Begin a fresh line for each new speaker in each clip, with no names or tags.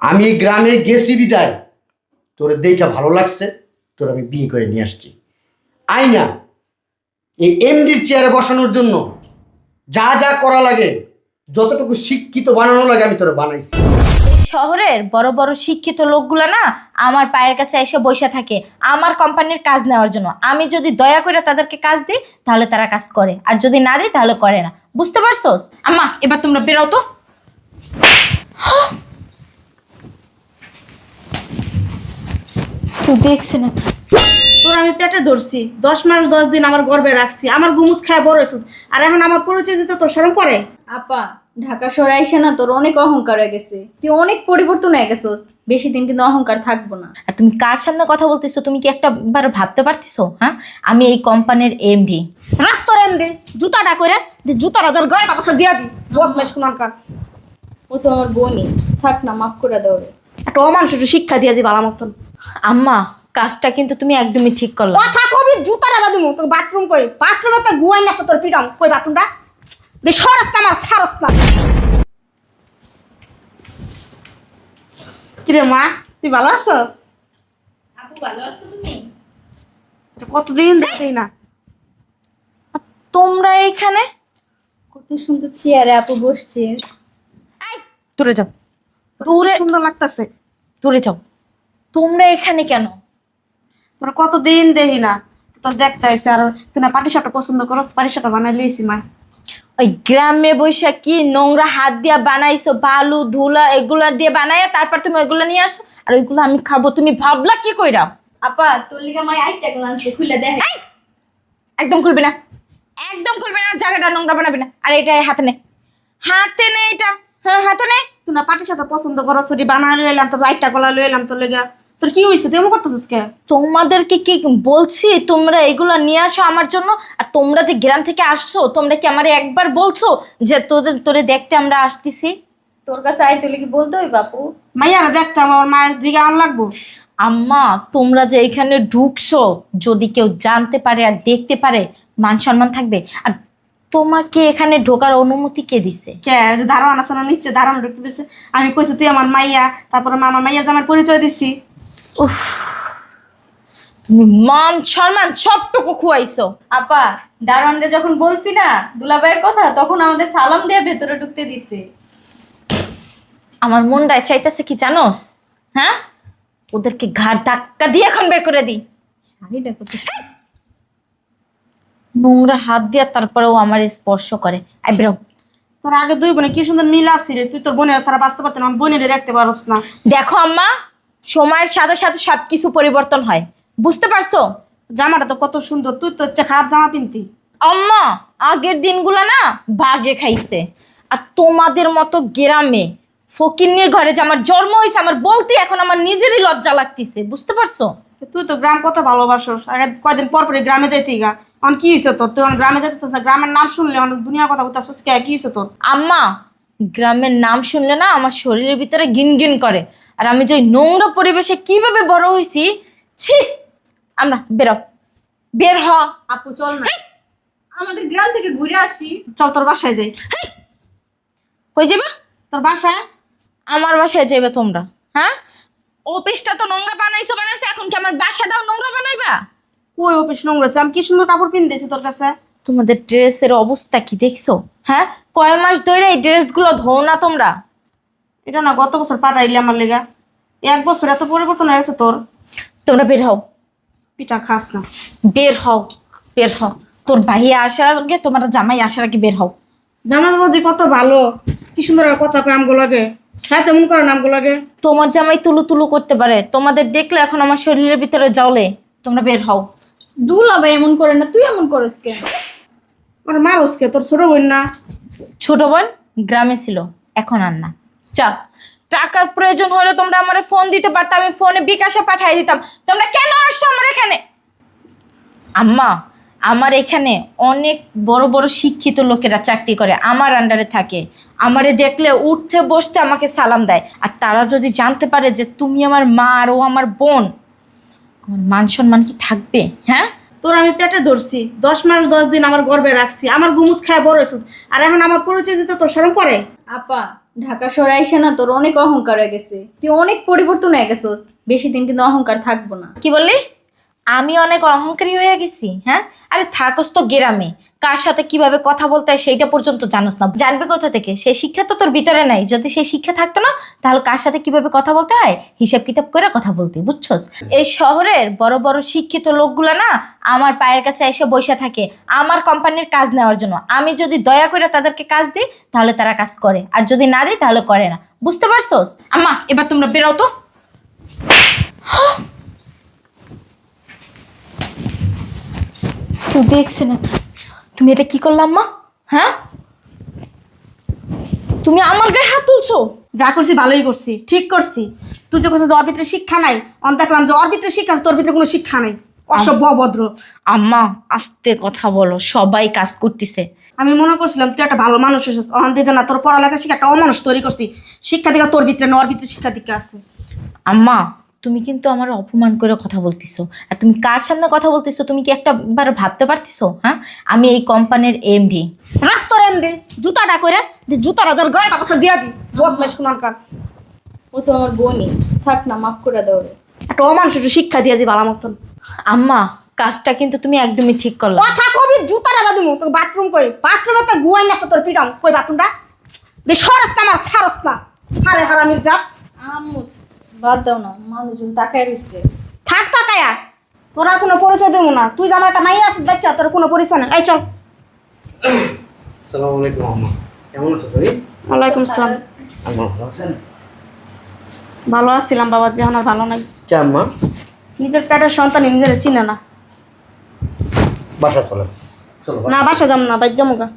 আমি গ্রামে গেছি বিদায় তোর দেখা ভালো লাগছে, তোর আমি বিয়ে করে নিয়ে আসছি। আই না এই এমডির চেয়ারে বসানোর জন্য যা যা করা লাগে, যতটুকু শিক্ষিত বানানো লাগে আমি তোর বানাইছি।
এই শহরের বড় বড় শিক্ষিত লোকগুলা না আমার পায়ের কাছে এসে বসে থাকে আমার কোম্পানির কাজ নেওয়ার জন্য। আমি যদি দয়া করে তাদেরকে কাজ দিই তাহলে তারা কাজ করে, আর যদি না দিই তাহলে করে না। বুঝতে পারছোস? আম্মা এবার তোমরা বেরাও তো। তুই দেখছি না
তোর আমি পেটে ধরছি 10 মাস 10 দিন আমার গর্ভে রাখছি, আমার গুমুত খায় বড় হয়েছিস, আর এখন আমার পরিচয় দিতে তোর শরম করে?
আপা ঢাকা শহরে আইসা না তোর অনেক অহংকার হয়ে গেছে, তুই অনেক পরিবর্তন হয়ে গেছিস। বেশি দিন কিন্তু অহংকার থাকবো না।
আর তুমি কার সামনে কথা বলতেছো? তুমি কি একটাবার ভাবতে পারতেছো? হ্যাঁ, আমি এই কোম্পানির এমডি।
রাখ তোর এমডি জুতাটা করে জুতাটা তোর গলাটা কাছে দিয়া দি, বদমাইশ কোনকার।
ও তো আমার বোনই, থাক না, মাফ করে দাও রে।
একটা অমানুষ একটু শিক্ষা দিয়েছি ভালো মতন।
আম্মা কাজটা কিন্তু তুমি একদমই ঠিক করলে।
কথা কবি জুতাটা দাদু তোর বাথরুম কই, বাথরুমে তো গুয়াই না তোর পিটাম কই, বাথরুমটা বে সরস না আমার ছারস না। কিরে মা, তুই ভালো আছস?
আপু ভালো আছো তুমি?
কতদিন দেখছি না।
তোমরা এইখানে?
কত সুন্দর চেয়ারে আপু বসছে।
দূরে যাও,
দূরে সুন্দর লাগতেছে।
দূরে যাও। তোমরা এখানে কেন?
তোর কতদিন দেখি না, তোর দেখতে আসছে। আর তুই না পাটি সাপটা পছন্দ করস, পাটি সাপটা বানাই লইছি মা।
ওই গ্রামে বৈশা কি নোংরা হাত দিয়া বানাইছো, বালু ধুলা এগুলা দিয়ে বানাইয়া তারপর তুমি ওইগুলা নিয়ে আসো, আর ওইগুলো আমি খাবো। তুমি ভাবলা কি কইরা?
আপা তোর লিগা মাই আইটা গ্লান্স খুলে দেখ।
একদম খুলবি না, একদম খুলবি না, জায়গাটা নোংরা বানাবি না। আর এটা হাতে নে, হাতে নে এটা। হ্যাঁ হাতে নে।
তুই না পাটি সাপটা পছন্দ করস, ওটি বানাই লইলাম, তোর লাইটটা গলা লইলাম তোর লেগা। তোর কি হয়েছে, তুই এমন করতেছিস কে?
তোমাদেরকে কি বলছি তোমরা এগুলা নিয়ে আসো আমার জন্য? আর তোমরা যে গ্রাম থেকে আসছো, তোমরা কি আমারে একবার বলছো যে তোরে দেখতে আমরা আসতেছি?
তোর কাছে আইতে লিগি বলতে হই বাপু।
মাইয়ারা দেখতাম, আমার মায়ের জিগা আন লাগবো।
আম্মা তোমরা যে এখানে ঢুকছো, যদি কেউ জানতে পারে আর দেখতে পারে, মান সম্মান থাকবে? আর তোমাকে এখানে ঢোকার অনুমতি কে দিছে?
কে যে ধারণা আছে না নিচ্ছে, ধারণা ঢুকতে দিছে। আমি কইছি তুই আমার মাইয়া, তারপরে আমার মাইয়ার জামার পরিচয় দিছি।
উফ, তুমি মান সম্মান সবটুকু খুয়াইছো।
আপা দারোয়ানরে যখন বলছি না দুলাভাইয়ের কথা, তখন আমাদের সালাম দিয়ে ভেতরে ঢুকতে দিছে।
আমার মনটায় চাইতেছে কি জানোস? হ্যাঁ, ওদেরকে ঘাড় ধাক্কা দিয়ে এখন বের করে দিই।
শাড়িটা কত
নোংরা হাত দিয়ে তারপরেও আমার স্পর্শ করে। আই বেরো।
তোর আগে দুই বোনে কি সুন্দর মিল আসছিল, তুই তোর বোনের সারা বাঁচতে পারতেন, আমার বোনের দেখতে পারস না।
দেখো আম্মা, সময়ের সাথে সাথে সবকিছু পরিবর্তন হয়, বুঝতে পারছো?
জামাটা তো কত সুন্দর, তুই তো হচ্ছে খারাপ জামা পিনতি।
আম্মা আগের দিনগুলো না বাগে খাইছে। আর তোমাদের মতো গ্রামে ফকিন্নির ঘরে যে আমার জন্ম হয়েছে, আমার বলতে এখন আমার নিজেরই লজ্জা লাগতেছে, বুঝতে পারছো?
তুই তো গ্রাম কত ভালোবাসস, আগে কয়দিন পর পরে গ্রামে যাইতে গা। এখন কি হয়েছে তোর? তুই এখন গ্রামে যেতে চাস না, গ্রামের নাম শুনলে অনেক দুনিয়ার কথা বলতেছিস কে? কি হয়েছে তোর?
আম্মা গ্রামের নাম শুনলে না আমার শরীরের ভিতরে গিনগিন করে। আর আমি যে ওই নোংরা পরিবেশে কিভাবে বড় হয়েছি, ছি! আমরা বেরো, বের হ।
আপু চল না আমাদের গ্রাম থেকে ঘুরে আসি।
চল তোর বাসায় যাই।
কই যাবে?
তোর বাসায়?
আমার বাসায় যাবে তোমরা? হ্যাঁ, অফিসটা তো নোংরা বানাইছো, এখন কি আমার বাসাটাও নোংরা বানাইবা?
কই অফিস নোংরা? আমি কি সুন্দর কাপড় পিন দিয়েছি তোর কাছে।
তোমাদের ড্রেসের অবস্থা কি দেখছো? হ্যাঁ, কয় মাস ধরে এই ড্রেসগুলো ধোও না তোমরা?
এটা না গত বছর পাঠাইলি আমার লেগা, 1 বছর এত পরিবর্তন হয়ে গেছে তোর।
তোমরা বের হও,
পিঠা খাস না।
বের হও, বের হও। তোর ভাইয়া আসার আগে, তোমার জামাই আসার আগে বের হও।
জামার বাজি কত ভালো, কি সুন্দর কথা কয় আমগো লাগে, হ্যাঁ তেমন করে আমগো লাগে।
তোমার জামাই তুলু তুলু করতে পারে, তোমাদের দেখলে এখন আমার শরীরের ভিতরে জ্বলে। তোমরা বের হও।
দুলাভাই এমন করে না, তুই এমন করিস কেন?
আমার মারসকে, তোর ছোট বোন না?
ছোট বোন গ্রামে ছিল, এখন আর না। চা, টাকার প্রয়োজন হলে তোমরা আমারে ফোন দিতে পারতো, আমি ফোনে বিকাশে পাঠিয়ে দিতাম। তোমরা কেন আসছো আমার এখানে? আম্মা আমার এখানে অনেক বড় বড় শিক্ষিত লোকেরা চাকরি করে, আমার আন্ডারে থাকে। আমারে দেখলে উঠতে বসতে আমাকে সালাম দেয়। আর তারা যদি জানতে পারে যে তুমি আমার মা আর ও আমার বোন, আমার মান সম্মান কি থাকবে? হ্যাঁ,
তোর আমি পেটে ধরছি 10 মাস 10 দিন আমার গর্ভে রাখছি, আমার গুমুত খায় বড় হয়েছিস, আর এখন আমার পরিচয় দিতে তোর শরম করে?
আপা ঢাকা শহরে আইসা না তোর অনেক অহংকার হয়ে গেছে, তুই অনেক পরিবর্তন হয়ে গেছিস। বেশি দিন কিন্তু অহংকার থাকবো না।
কি বললি? আমি অনেক অহংকারী হয়ে গেছি? হ্যাঁ, আরে থাকস তো গ্রামে, কার সাথে কিভাবে কথা বলতে হয় সেইটা পর্যন্ত জানোস না। জানবে কোথা থেকে? সেই শিক্ষা তো তোর ভিতরে নাই। যদি সেই শিক্ষা থাকতো না, তাহলে কার সাথে কিভাবে কথা বলতে হয় হিসাব কিতাব করে কথা বলতি, বুঝছস? এই শহরের বড় বড় শিক্ষিত লোকগুলা না আমার পায়ের কাছে এসে বসে থাকে আমার কোম্পানির কাজ নেওয়ার জন্য। আমি যদি দয়া করে তাদেরকে কাজ দিই তাহলে তারা কাজ করে, আর যদি না দিই তাহলে করে না। বুঝতে পারছস? আম্মা, এবার তোমরা বেরাও তো। তুই দেখছে না? তুমি এটা কি করলাম মা? হ্যাঁ, তুমি আমার গায়ে হাত তুলছো।
যা করছি ভালোই করছি, ঠিক করছি। তুই যে করছিস যে ওর ভিতরে শিক্ষা নাই, দেখলাম যে ওর ভিতরে শিক্ষা আছে, তোর ভিতরে কোনো শিক্ষা নাই। অসভ্য অভদ্র।
আম্মা আস্তে কথা বলো, সবাই কাজ করতেছে।
আমি মনে করছিলাম তুই একটা ভালো মানুষ হয়েছিস, দিয়ে না তোর পড়ালেখা শিক্ষা একটা অমানুষ তৈরি করছি। শিক্ষা দীক্ষা তোর ভিতরে না, ওর ভিতরে শিক্ষা দীক্ষা আছে।
আম্মা, তুমি কিন্তু আমার অপমান করে কথা বলতেছো। আর তুমি কার সামনে কথা বলতেছো তুমি কি একবার ভাবতে পারতেছো? হ্যাঁ, আমি এই কোম্পানির এমডি।
রাখ তোর এমডি জুতাটা করে জুতাটা তোর গায়ে কাছে দিয়া দি। বদমাইশ কোনকার।
ও তো আমার বোনই, থাক না, মাফ করে দাও রে।
একটা অমানুষ একটু শিক্ষা দিয়েছি ভালো মতন।
আম্মা, কাজটা কিন্তু তুমি একদমই ঠিক করলে।
কথা কবি জুতাটা দাদু তোর বাথরুম কই? বাথরুমে তো গুয়াই না তোর পিটাম কই বাথরুমটা? দে সরস না আমার ছারস না। হারে হারামির জাত।
আম্মু বাদ দাও না, মানুষজন তাকায় রইছে।
থাক তাকায়া, তোর আর কোনো পরিচয় দেবো না। তুই যে আমার একটা মাইয়া আসিস বাচ্চা, তোর কোনো পরিচয় নেই। এই চল।
আসসালামু আলাইকুম আম্মা, কেমন আছো তুমি?
ওয়ালাইকুম আসসালাম।
আম্মা ভালো আছেন?
ভালো আছিলাম বাবা, যে আর ভালো নাই।
কে আম্মা?
নিজের পেটের সন্তান নিজের চিনে না।
বাসা চলো, চলো
না বাসা যাবো না, বাইর যামুগা।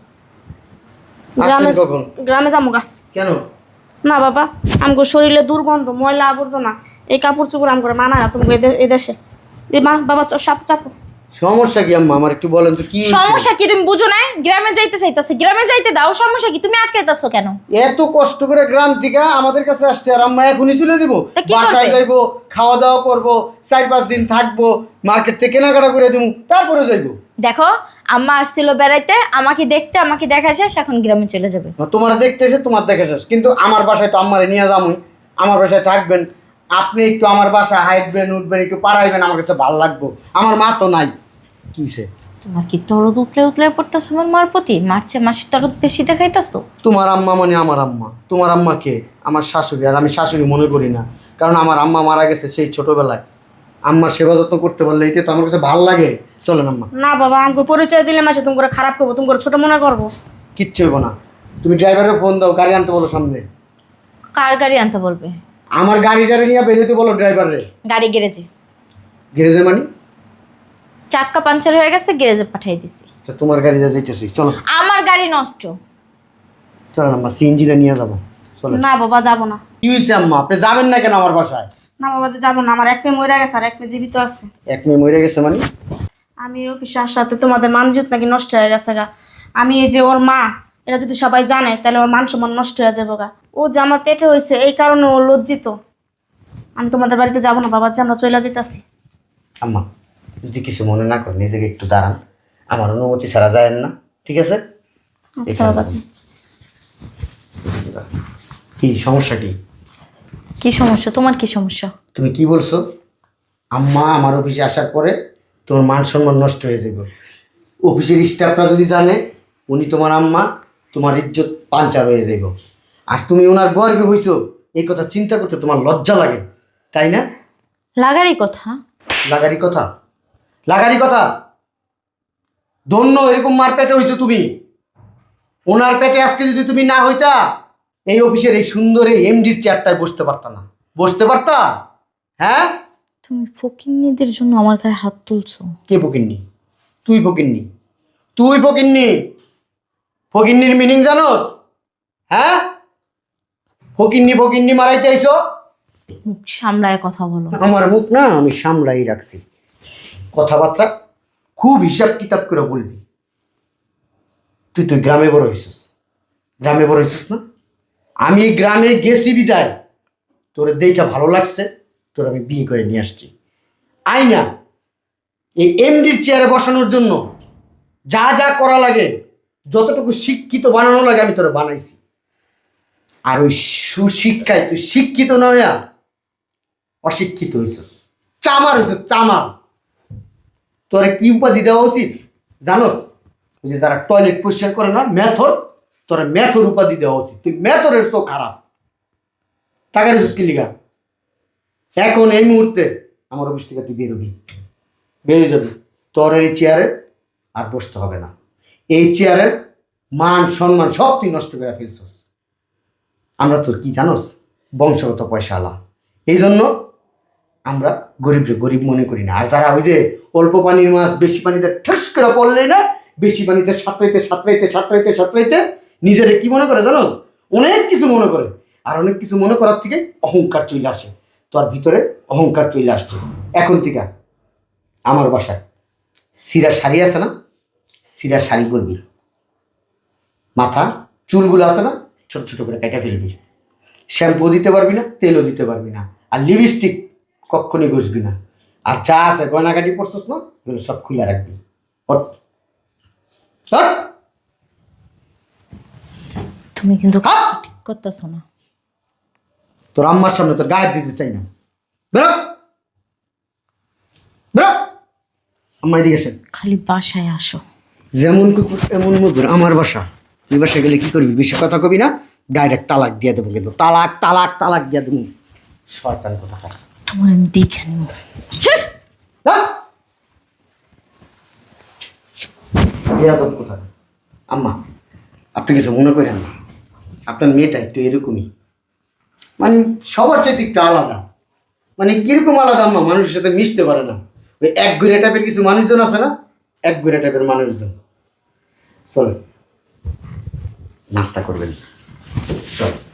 গ্রামে
কখন?
গ্রামে যামুগা।
কেন?
না বাবা, আমগো শরীরে দুর্গন্ধ, ময়লা আবর্জনা, এই কাপড় চোপড় আম করে মানায় না তুমি এই দেশে। দি মা বাবা সাপ চাপো।
সমস্যা কি আম্মা, আমার একটু বলেন তো কি হয়েছে?
সমস্যা কি তুমি বুঝো না? গ্রামে যাইতে চাইতাছে, গ্রামে যাইতে দাও। সমস্যা কি? তুমি আটকাইতাছো কেন?
এত কষ্ট করে গ্রাম থেকে আমাদের কাছে আসছে, আর আম্মা এখনই চলে দিব?
তা কি
বাসায়
করবে?
যাইবো, খাওয়া দাওয়া করবো, 4-5 দিন থাকবো, মার্কেট থেকে কেনাকাটা করে দিব, তারপরে যাইবো।
দেখো, আম্মা আসছিল বেড়াইতে, আমাকে দেখতে, আমাকে দেখা শেষ, এখন গ্রামে চলে যাবে।
তোমার দেখতেছে, তোমার দেখা শেষ, কিন্তু আমার বাসায় তো আম্মারে নিয়ে যাবই, আমার বাসায় থাকবেন, আপনি একটু আমার বাসায় হাইটবেন উঠবেন, একটু পাড়াইবেন, আমার কাছে ভালো লাগবো। আমার মা তো নাই। কিসে?
তোমার কি দরদ উতলে উতলে পড়তেছে আমার মার প্রতি? মারছে মাসির দরদ বেশি দেখাইতাছো।
তোমার আম্মা মানে আমার আম্মা। তোমার আম্মা কে? আমার শাশুড়ি। আর আমি শাশুড়ি মনে করি না, কারণ আমার আম্মা মারা গেছে সেই ছোটবেলায়। আম্মার সেবা যত্ন করতে পারলে এটা তো আমার কাছে ভালো লাগে। চলেন আম্মা।
না বাবা, আমাকে পরিচয় দিলে মাসে তুমি করে খারাপ করবো, তুমি করে ছোট মনে করবো।
কিচ্ছু হইব না। তুমি ড্রাইভারের ফোন দাও, গাড়ি আনতে বলো সামনে।
কার গাড়ি আনতে বলবে?
আমার গাড়িটারে নিয়ে বেরোতে বলো ড্রাইভারে।
গাড়ি গ্যারেজে।
গ্যারেজে মানে?
চাক্কা পাঞ্চার হয়ে গেছে, গ্যারেজে পাঠিয়ে দিছি।
আচ্ছা, তোমার গাড়িতে যাইতেছি, চলো।
আমার গাড়ি নষ্ট।
চলেন আম্মা, সিএনজিটা নিয়ে যাবো। চলো।
না বাবা যাবো না।
কি হয়েছে আম্মা, আপনি যাবেন না কেন আমার বাসায়?
না বাবা যাবো না, আমার এক মেয়ে মরে গেছে আর এক মেয়ে জীবিত আছে।
এক মেয়ে মরে গেছে মানে?
আমি অফিসে আসাতে তোমাদের মানজিত নাকি নষ্ট হয়ে গেছে গা। আমি এই যে ওর মা, এটা যদি সবাই জানে তাহলে ওর মান সম্মান নষ্ট হয়ে যাবে গা। ও যে আমার পেটে হয়েছে এই কারণে ও লজ্জিত। আমি তোমাদের বাড়িতে যাবো না বাবা, যে আমরা চলে যেতেছি।
আম্মা যদি কিছু মনে না করেন, নিজেকে একটু দাঁড়ান, আমার অনুমতি ছাড়া যায়েন না, ঠিক আছে?
আচ্ছা বাবা জি।
কি সমস্যা? কি
কি সমস্যা? তোমার কি সমস্যা?
তুমি কি বলছো? আম্মা আমার অফিসে আসার পরে তোমার মান সম্মান নষ্ট হয়ে যাবে। অফিসের স্টাফরা যদি জানে উনি তোমার আম্মা, তোমার ইজ্জত পাঞ্চার হয়ে যাইব। আর তুমি ওনার গর্বে হইছো, এই কথা চিন্তা করতে তোমার লজ্জা লাগে, তাই না?
লাগারই কথা।
লাগারি কথা? লাগারি কথা? ধন্য এরকম মার পেটে হইছো তুমি। ওনার পেটে আজকে যদি তুমি না হইতা, এই অফিসের এই সুন্দর এই এমডির চেয়ারটায় বসতে পারতা না। বসতে পারতা? হ্যাঁ?
তুমি ফকিন্নিদের জন্য আমার গায়ে হাত তুলছো।
কে ফকিন্নি? তুই ফকিন্নি। তুই ফকিন্নি। ফকিন্নির মিনিং জানোস? হ্যাঁ? ফকিন্নি ফকিন্নি মারাইতে আইছো?
মুখ সামলায় কথা বলো।
আমার মুখ না আমি সামলাই রাখছি। কথাবার্তা খুব হিসাব কিতাব করে বলবি। তুই তুই গ্রামে বড় হইছিস, গ্রামে বড় হইছিস না? আমি এই গ্রামে গেছি বিদায় তোরে দেখা ভালো লাগছে, তোর আমি বিয়ে করে নিয়ে আসছি। আই না এই এমডির চেয়ারে বসানোর জন্য যা যা করা লাগে, যতটুকু শিক্ষিত বানানো লাগে আমি তোরে বানাইছি। আর ওই সুশিক্ষায় তুই শিক্ষিত না হইয়া অশিক্ষিত হইছস, চামার হইছস, চামার। তোরে কি উপাধি দেওয়া উচিত জানোস? ওই যে যারা টয়লেট পরিষ্কার করে না, মেথর, তোরা মেথর উপাধি দেওয়া উচিত। তুই মেথরের চোখ খারাপ। টাকা রেছিস কি লিগা? এখন এই মুহূর্তে আমার অফিস থেকে তুই বেরোবি, বেরিয়ে যাবি। তোর এই চেয়ারে আর বসতে হবে না। এই চেয়ারের মান সম্মান সব তুই নষ্ট করে ফেলছস। আমরা তো কি জানোস, বংশগত পয়সাওয়ালা, এই জন্য আমরা গরিবরে গরিব মনে করি না। আর যারা ওই যে অল্প পানির মাছ বেশি পানিতে ঠস করে পড়লে না, বেশি পানিতে সাঁতরাইতে নিজেরে কি মনে করে জানোস? অনেক কিছু মনে করে। আর অনেক কিছু মনে করার থেকে অহংকার চলে আসে। তোর ভিতরে অহংকার চলে আসছে। এখন থেকে আমার বাসায় সিরা শাড়ি আছে না, সিরা শাড়ি করবি। মাথা চুলগুলো আছে না, ছোট ছোট করে কেটে ফেলবি। শ্যাম্পু দিতে পারবি না, তেলও দিতে পারবি না। আর লিপস্টিক কখনই ঘষবি না। আর যা আছে গয়নাগাটি পড়ছস না, এগুলো সব খুলে রাখবি। ওঠ। ওঠ।
তুমি কিন্তু
হাট!
ঠিক করতেছো না।
তোর আম্মার সামনে তোর গায়ে দিতে চাই না। বেরো, বেরো। আম্মা এদিকে এসে।
খালি বাসায় আসো।
যেমন কুকুর এমন মুগুর। আমার বাসা, তুই বাসায় গেলে কি করবি? বেশি কথা কবি না, ডাইরেক্ট তালাক দিয়ে দেবো। কিন্তু তালাক তালাক তালাক দিয়ে দেবো। শয়তান কোথাকার।
তোমার আমি দেখে নিব। শেষ।
বেয়াদব কোথায়? আম্মা, আপনি কিছু মনে করেন না, আপনার মেয়েটা একটু এরকমই, মানে সবার চাইতে একটু আলাদা। মানে কিরকম আলাদা আম্মা, মানুষের সাথে মিশতে পারে না। ওই এক ঘুরে টাইপের কিছু মানুষজন আছে না, এক ঘুরে টাইপের মানুষজন। চল নাস্তা করবেন, চল।